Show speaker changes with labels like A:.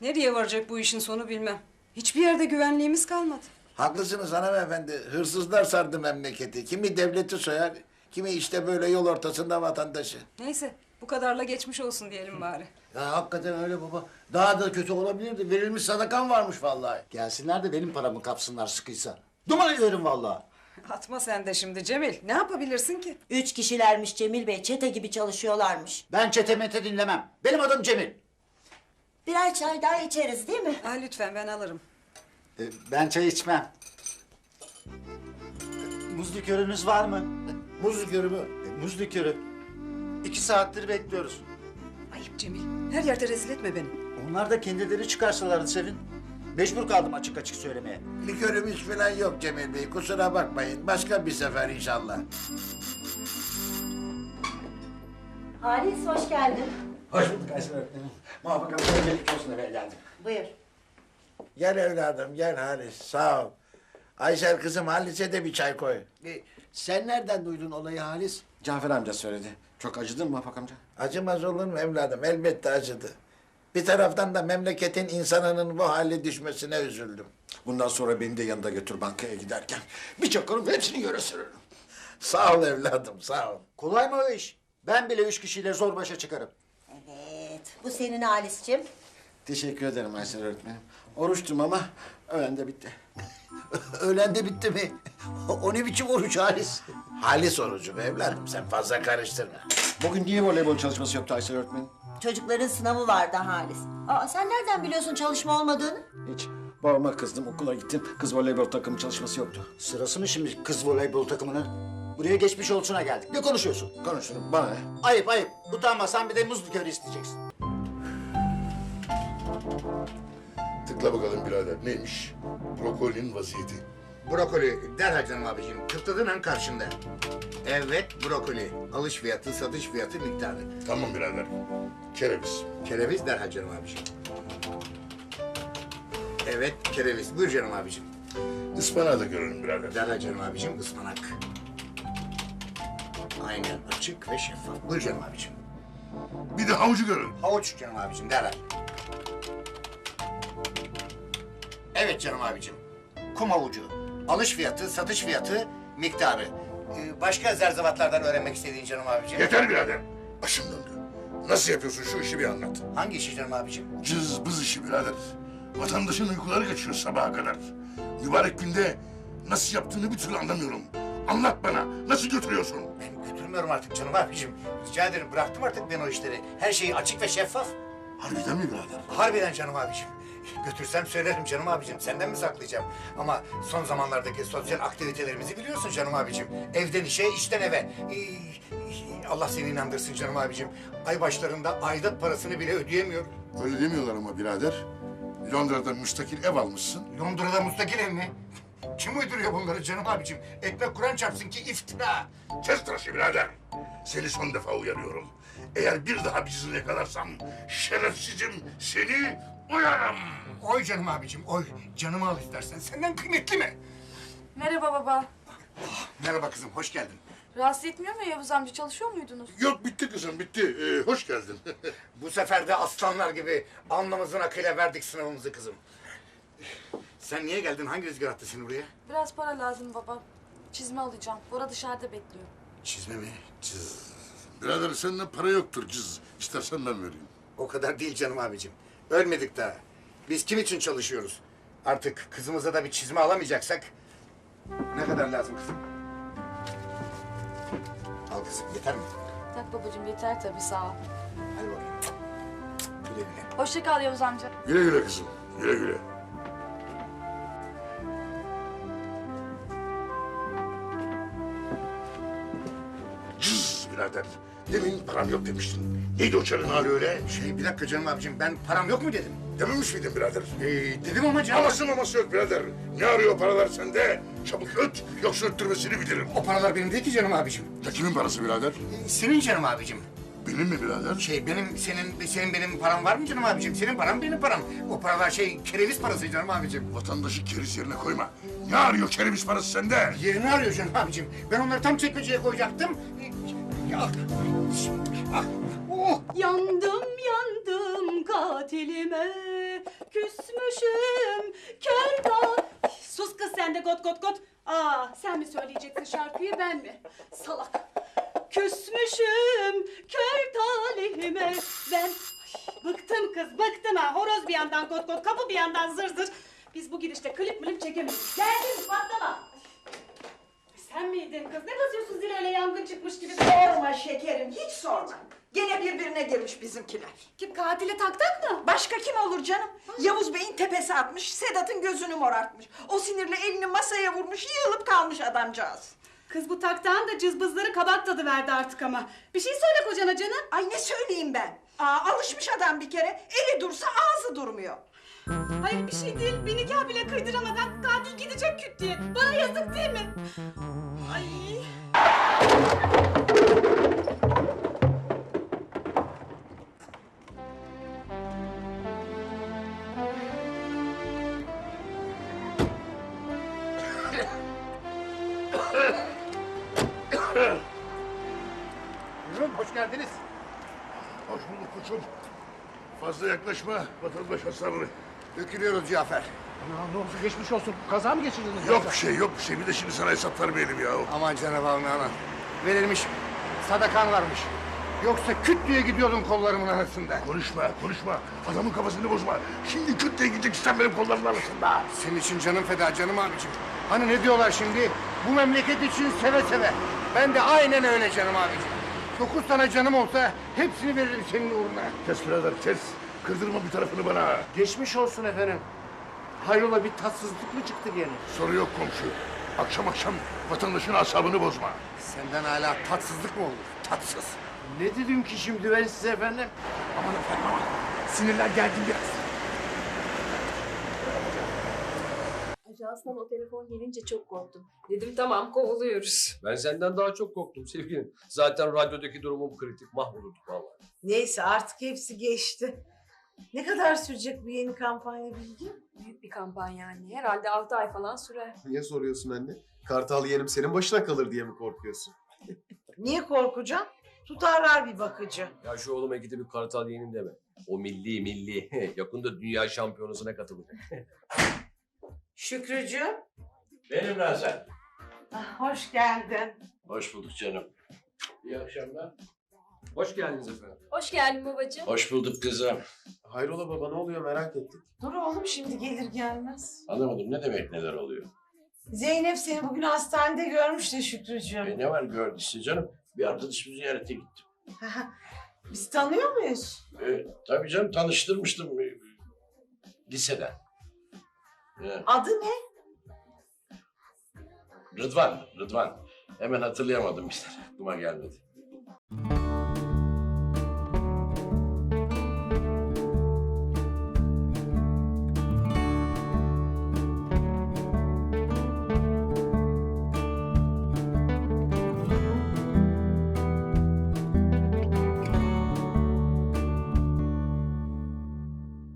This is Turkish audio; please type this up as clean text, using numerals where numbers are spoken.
A: Nereye varacak bu işin sonu bilmem. Hiçbir yerde güvenliğimiz kalmadı.
B: Haklısınız hanımefendi. Hırsızlar sardı memleketi. Kimi devleti soyar, kimi işte böyle yol ortasında vatandaşı.
A: Neyse bu kadarla geçmiş olsun diyelim bari.
C: Ya hakikaten öyle baba. Daha da kötü olabilirdi. Verilmiş sadakan varmış vallahi. Gelsinler de benim paramı kapsınlar sıkıysa. Duman ederim vallahi.
A: Atma sen de şimdi Cemil. Ne yapabilirsin ki?
D: 3 kişilermiş Cemil Bey, çete gibi çalışıyorlarmış.
C: Ben çete mete dinlemem. Benim adım Cemil.
D: Birer çay daha içeriz değil mi?
A: Lütfen ben alırım.
C: Ben çay içmem. Muz likörünüz var mı?
B: Muz likörü mü?
C: Muz likörü. 2 saattir bekliyoruz.
A: Ayıp Cemil. Her yerde rezil etme beni.
C: Onlar da kendileri çıkarsalardı Sevin. Mecbur kaldım açık açık söylemeye.
B: Likörümüz falan yok Cemil Bey. Kusura bakmayın. Başka bir sefer inşallah.
D: Halis hoş geldin.
C: Hoş bulduk Aysel öğretmenim. Muvaffak Hanım'a gelik olsun eve geldim.
D: Buyur.
B: Gel evladım, gel Halis. Sağ ol. Aysel kızım, Halis'e de bir çay koy.
C: Sen nereden duydun olayı Halis?
E: Cafer amca söyledi. Çok acıdın mı Muvaffak amca?
B: Acımaz olur mu evladım? Elbette acıdı. Bir taraftan da memleketin insanının bu hale düşmesine üzüldüm.
E: Bundan sonra beni de yanında götür bankaya giderken. Bir çakarım hepsini göre sürürüm.
B: Sağ ol evladım, sağ ol.
C: Kolay mı o iş? Ben bile 3 kişiyle zor başa çıkarım.
D: Evet, bu senin Halis'ciğim.
E: Teşekkür ederim Aysel öğretmenim. Oruçtum ama öğlen de bitti.
C: Öğlen de bitti mi? O ne biçim oruç Halis?
B: Halis orucu be evladım, sen fazla karıştırma.
E: Bugün niye voleybol çalışması yoktu Aysel öğretmenim?
D: Çocukların sınavı vardı Halis. Aa, sen nereden biliyorsun çalışma olmadığını?
E: Hiç. Babama kızdım, okula gittim. Kız voleybol takımı çalışması yoktu.
C: Sırası mı şimdi kız voleybol takımının? Buraya geçmiş olsuna geldik. Ne konuşuyorsun?
E: Konuşurum, bana ne?
C: Ayıp ayıp. Utanmasan bir de muz likörü isteyeceksin.
F: Tıkla bakalım birader neymiş? Brokolinin vaziyeti.
G: Brokoli derhal canım abiciğim. Tıkladığın an karşında. Evet brokoli. Alış fiyatı, satış fiyatı, miktarı.
F: Tamam birader. Kereviz.
G: Kereviz derhal canım abiciğim. Evet kereviz. Buyur canım abiciğim.
F: Ispanağı da görelim birader.
G: Derhal canım abiciğim ıspanak. Aynen açık ve şeffaf. Buyur canım abiciğim.
F: Bir de havucu görelim.
G: Havuç canım abiciğim derhal. Evet canım abiciğim. Kum havucu. Alış fiyatı, satış fiyatı, miktarı. Başka zerzevatlardan öğrenmek istediğin canım abiciğim.
F: Yeter birader. Başım döndü. Nasıl yapıyorsun şu işi bir anlat.
G: Hangi işi canım abiciğim?
F: Cız bız işi birader. Vatandaşın uykuları kaçıyor sabaha kadar. Mübarek günde nasıl yaptığını bir türlü anlamıyorum. Anlat bana. Nasıl götürüyorsun?
G: Ben götürmüyorum artık canım abicim. Rica ederim bıraktım artık ben o işleri. Her şey açık ve şeffaf.
F: Harbiden mi birader?
G: Harbiden canım abicim. Götürsem söylerim canım abicim. Senden mi saklayacağım? Ama son zamanlardaki sosyal aktivitelerimizi biliyorsun canım abicim. Evden işe, işten eve. Allah seni inandırsın canım abicim. Ay başlarında aidat parasını bile ödeyemiyorum.
F: Öyle demiyorlar ama birader. Londra'da müstakil ev almışsın.
G: Londra'da müstakil ev mi? Kim uyduruyor bunları canım abicim? Ekmek Kur'an çarpsın ki iftira.
F: Kes tıraşı birader. Seni son defa uyarıyorum. Eğer bir daha bizi yakalarsam şerefsizim seni uyarım.
G: Oy canım abicim, oy. Canımı al istersen. Senden kıymetli mi?
H: Merhaba baba.
G: Merhaba kızım, hoş geldin.
H: Rahatsız etmiyor mu Yavuz amca? Çalışıyor muydunuz?
F: Yok bitti kızım bitti. Hoş geldin.
G: Bu sefer de aslanlar gibi alnımızın akıyla verdik sınavımızı kızım. Sen niye geldin? Hangi rüzgar attı seni buraya?
H: Biraz para lazım baba. Çizme alacağım. Bora dışarıda bekliyor.
G: Çizme mi? Cız.
F: Birader sende para yoktur cız. İstersen ben vereyim.
G: O kadar değil canım abicim. Ölmedik daha. Biz kim için çalışıyoruz? Artık kızımıza da bir çizme alamayacaksak... Ne kadar lazım kızım? Al kızım, yeter mi?
H: Tak babacığım yeter tabii sağ ol.
G: Hadi bakayım. Güle güle.
H: Hoşça kal Yavuz amca.
F: Güle güle kızım. Güle güle. Cız birader. Demin param yok demiştin. Neydi o çarın hali öyle?
G: Bir dakika canım abicim, ben param yok mu dedim?
F: Dememiş miydin birader?
G: Dedim ama canım...
F: Aması maması yok birader. Ne arıyor paralar sende? Çabuk öt, yoksa öttürmesini bilirim.
G: O paralar benim değil ki canım abicim.
F: Ya kimin parası birader?
G: Senin canım abicim.
F: Benim mi birader?
G: Senin benim param var mı canım abicim? Senin param benim param. O paralar kereviz parası canım abicim.
F: Vatandaşı keriz yerine koyma. Ne arıyor kereviz parası sende?
G: Yerini arıyor canım abicim. Ben onları tam çekmeceye koyacaktım. Ya, oh.
I: Yandım yandım katilime, küsmüşüm kör dağ. Sus kız sen de got got got. Aa, sen mi söyleyeceksin şarkıyı ben mi? Salak. Küsmüşüm kör talihime ben. Ay, bıktım kız bıktım ha. Horoz bir yandan got got, kapı bir yandan zır zır. Biz bu gidişte klip milip çekemeyiz. Geldin patlama. Sen miydin kız? Ne basıyorsun zil öyle yangın çıkmış gibi?
J: Sorma şekerim, hiç sorma. Gene birbirine girmiş bizimkiler.
I: Kim, katili taktak mı?
J: Başka kim olur canım? Yavuz Bey'in tepesi atmış, Sedat'ın gözünü morartmış. O sinirle elini masaya vurmuş, yığılıp kalmış adamcağız.
I: Kız bu taktağın da cızbızları kabak tadı verdi artık ama. Bir şey söyle kocana canım.
J: Ay ne söyleyeyim ben? Alışmış adam bir kere, eli dursa ağzı durmuyor.
I: Hayır bir şey değil. Bir nikah bile kıydıramadan katil gidecek küt diye. Bana yazık değil mi? Ay.
G: Buyurun, hoş geldiniz.
F: Hoş bulduk koçum. Fazla yaklaşma, vatandaş hasarlı.
G: Dökülüyoruz Cafer.
C: Ne oldu geçmiş olsun. Kaza mı geçirdiniz?
F: Yok bir şey, yok bir şey. Bir de şimdi sana hesap vermeyelim ya.
G: Aman Cenab-ı aman. Verilmiş, sadakan varmış. Yoksa küt diye gidiyordum kollarımın arasında.
F: Konuşma, konuşma. Adamın kafasını bozma. Şimdi küt diye gideceksin sen benim kollarımın arasında.
G: Senin için canım feda canım abicim. Hani ne diyorlar şimdi? Bu memleket için seve seve. Ben de aynen öyle canım abicim. 9 tane canım olsa hepsini veririm senin uğruna.
F: Kes birader, kes. Kırdırma bir tarafını bana.
C: Geçmiş olsun efendim. Hayrola bir tatsızlık mı çıktı gene?
F: Soru yok komşu. Akşam akşam vatandaşın asabını bozma.
G: Senden hala tatsızlık mı olur? Tatsız.
C: Ne dedim ki şimdi ben size efendim?
F: Aman efendim aman. Sinirler geldi biraz.
H: Ajanstan o telefon gelince çok korktum. Dedim tamam kovuluyoruz.
K: Ben senden daha çok korktum sevgilim. Zaten radyodaki durumum kritik. Mahvolurduk vallahi.
J: Neyse artık hepsi geçti. Ne kadar sürecek bu yeni kampanya Bilgi?
H: Büyük bir kampanya anne. Herhalde 6 ay falan sürer.
L: Niye soruyorsun anne? Kartal yeğenim senin başına kalır diye mi korkuyorsun?
J: Niye korkacağım? Tutarlar bir bakıcı.
K: Ya şu oğluma gidip bir kartal yeğenim deme. O milli. Yakında dünya şampiyonasına katılacak.
J: Şükrücüğüm.
K: Benim lan sen.
J: Hoş geldin.
K: Hoş bulduk canım. İyi akşamlar. Hoş geldiniz efendim.
H: Hoş geldin babacığım.
K: Hoş bulduk kızım.
L: Hayrola baba ne oluyor merak ettik.
J: Dur oğlum şimdi gelir gelmez.
K: Anlamadım ne demek neler oluyor?
J: Zeynep seni bugün hastanede görmüş de Şükrücüğüm.
K: Ne var gördüyse canım. Bir arkadaşımı ziyarete gittim.
J: Biz tanıyor muyuz?
K: Tabii canım tanıştırmıştım liseden.
J: Adı ne?
K: Rıdvan. Hemen hatırlayamadım işte. Aklıma gelmedi.